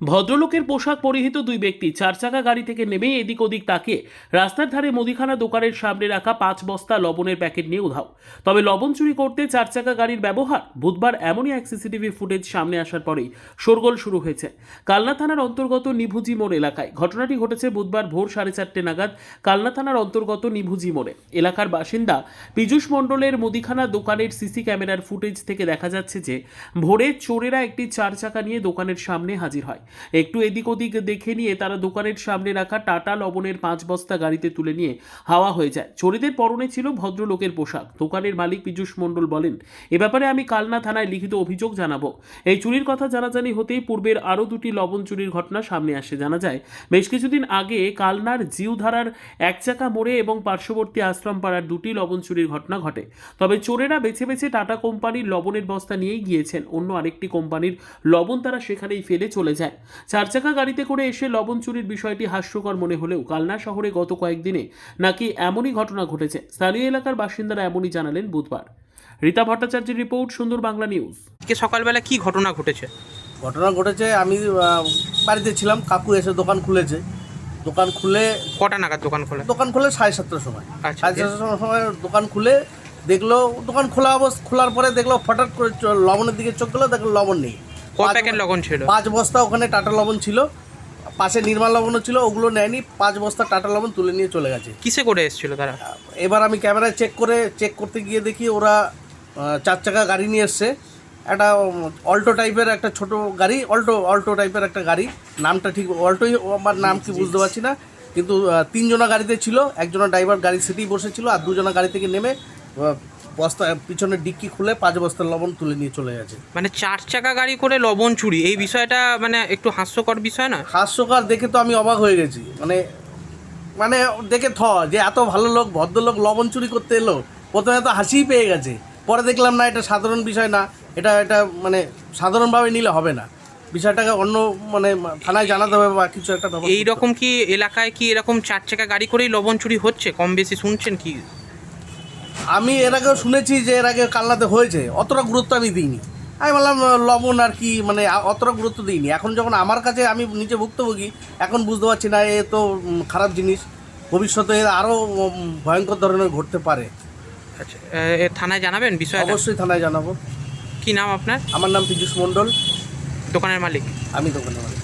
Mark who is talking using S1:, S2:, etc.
S1: ভদ্রলোকের পোশাক পরিহিত দুই ব্যক্তি চার চাকা গাড়ি থেকে নেমে এদিক ওদিক তাকিয়ে রাস্তার ধারে মুদিখানা দোকানের সামনে রাখা 5 বস্তা লবণের প্যাকেট নিয়ে উধাও। তবে লবণ চুরি করতে চার চাকা গাড়ির ব্যবহার। বুধবার এমনই এক সিসিটিভি ফুটেজ সামনে আসার পরেই শোরগোল শুরু হয়েছে কালনা থানার অন্তর্গত নিভুজি মোড় এলাকায়। ঘটনাটি ঘটেছে বুধবার ভোর 4:30 নাগাদ কালনা থানার অন্তর্গত নিভুজি মোড়ে। এলাকার বাসিন্দা পীযূষ মণ্ডলের মুদিখানা দোকানের সিসি ক্যামেরার ফুটেজ থেকে দেখা যাচ্ছে যে ভোরে চোরেরা একটি চার চাকা নিয়ে দোকানের সামনে হাজির হয়। একটু এদিক ওদিক দেখে নিয়ে তারা দোকানের সামনে রাখা টাটা লবণের 5 বস্তা গাড়িতে তুলে নিয়ে হাওয়া হয়ে যায়। চোরেদের পরনে ছিল ভদ্রলোকের পোশাক। দোকানের মালিক পীযূষ মণ্ডল বলেন, এ ব্যাপারে আমি কালনা থানায় লিখিত অভিযোগ জানাবো। এই চুরির কথা জানাজানি হতেই পূর্বের আরও 2টি লবণ চুরির ঘটনা সামনে আসে। জানা যায় বেশ কিছুদিন আগে কালনার জিউধারার এক চাকা মোড়ে এবং পার্শ্ববর্তী আশ্রমপাড়ার 2টি লবণ চুরির ঘটনা ঘটে। তবে চোরেরা বেছে বেছে টাটা কোম্পানির লবণের বস্তা নিয়েই গিয়েছেন। অন্য আরেকটি কোম্পানির লবণ তারা সেখানেই ফেলে চলে যায়। চার চাকা গাড়িতে করে এসে লবণ চুরির বিষয়টি হাস্যকর মনে হলেও কালনা শহরে গত কয়েকদিনে নাকি এমনই ঘটনা ঘটেছে। স্থানীয় এলাকার বাসিন্দারা এমনই জানালেন বুধবার। রীতা ভট্টাচার্যের রিপোর্ট, সুন্দর বাংলা নিউজ।
S2: আজকে সকালবেলা কি ঘটনা ঘটেছে?
S3: আমি বাড়িতে ছিলাম, কাকু এসে দোকান খুলেছে। দোকান খুলে
S2: কটা নাগাদ দোকান খোলে?
S3: 7:30 সময়।
S2: আচ্ছা,
S3: 7:30 সময় দোকান খুলে দেখলো, দোকান খোলার পরে দেখলো হঠাৎ করে লবণের দিকে চোখ গেলো, দেখলো লবণ নেই।
S2: কত প্যাকেট লবণ ছিল?
S3: 5 বস্তা ওখানে টাটা লবণ ছিল, পাশে নির্মাল লবণও ছিল, ওগুলো নেয়নি। 5 বস্তা টাটা লবণ তুলে নিয়ে চলে গেছে।
S2: কিসে করে এসেছিল তারা?
S3: এবার আমি ক্যামেরায় চেক করতে গিয়ে দেখি ওরা 4 চাকা গাড়ি নিয়ে এসছে। একটা অল্টো টাইপের একটা ছোট গাড়ি, অল্টো টাইপের একটা গাড়ি, নামটা ঠিক অল্টোই, আমার নাম কি বুঝতে পারছি না, কিন্তু 3 জনা গাড়িতে ছিল। একজনের ড্রাইভার গাড়ির সিটেই বসেছিল, আর 2 জনা গাড়ি থেকে নেমে বস্তা পিছনের ডিক্কি খুলে 5 বস্তার লবণ তুলে নিয়ে চলে গেছে।
S2: মানে 4 চাকা গাড়ি করে লবণ চুরি, এই বিষয়টা মানে একটু হাস্যকর বিষয় না?
S3: হাস্যকর দেখে তো আমি অবাক হয়ে গেছি। মানে দেখে যে এত ভালো লোক, ভদ্রলোক লবণ চুরি করতে এলো। প্রথমে তো হাসিই পেয়ে গেছে, পরে দেখলাম না, এটা সাধারণ বিষয় না, এটা মানে সাধারণভাবে নিলে হবে না, বিষয়টাকে অন্য থানায় জানাতে হবে বা কিছু একটা ব্যাপার।
S2: এইরকম কি এলাকায় কি এরকম 4 চাকা গাড়ি করেই লবণ চুরি হচ্ছে? কম বেশি শুনছেন কি?
S3: আমি এর আগেও শুনেছি যে এর আগে কালনাতে হয়েছে, অতটা গুরুত্ব আমি দিইনি। আমি বললাম লবণ আর কি, অতটা গুরুত্ব দিইনি। এখন যখন আমার কাছে, আমি নিজে ভুক্তভোগী, এখন বুঝতে পারছি না এ তো খারাপ জিনিস, ভবিষ্যতে আরও ভয়ঙ্কর ধরনের ঘটতে পারে।
S2: আচ্ছা, থানায় জানাবেন বিষয়টা?
S3: অবশ্যই থানায় জানাবো।
S2: কি নাম আপনার?
S3: আমার নাম পীযূষ মণ্ডল,
S2: দোকানের মালিক?
S3: আমি দোকানের মালিক।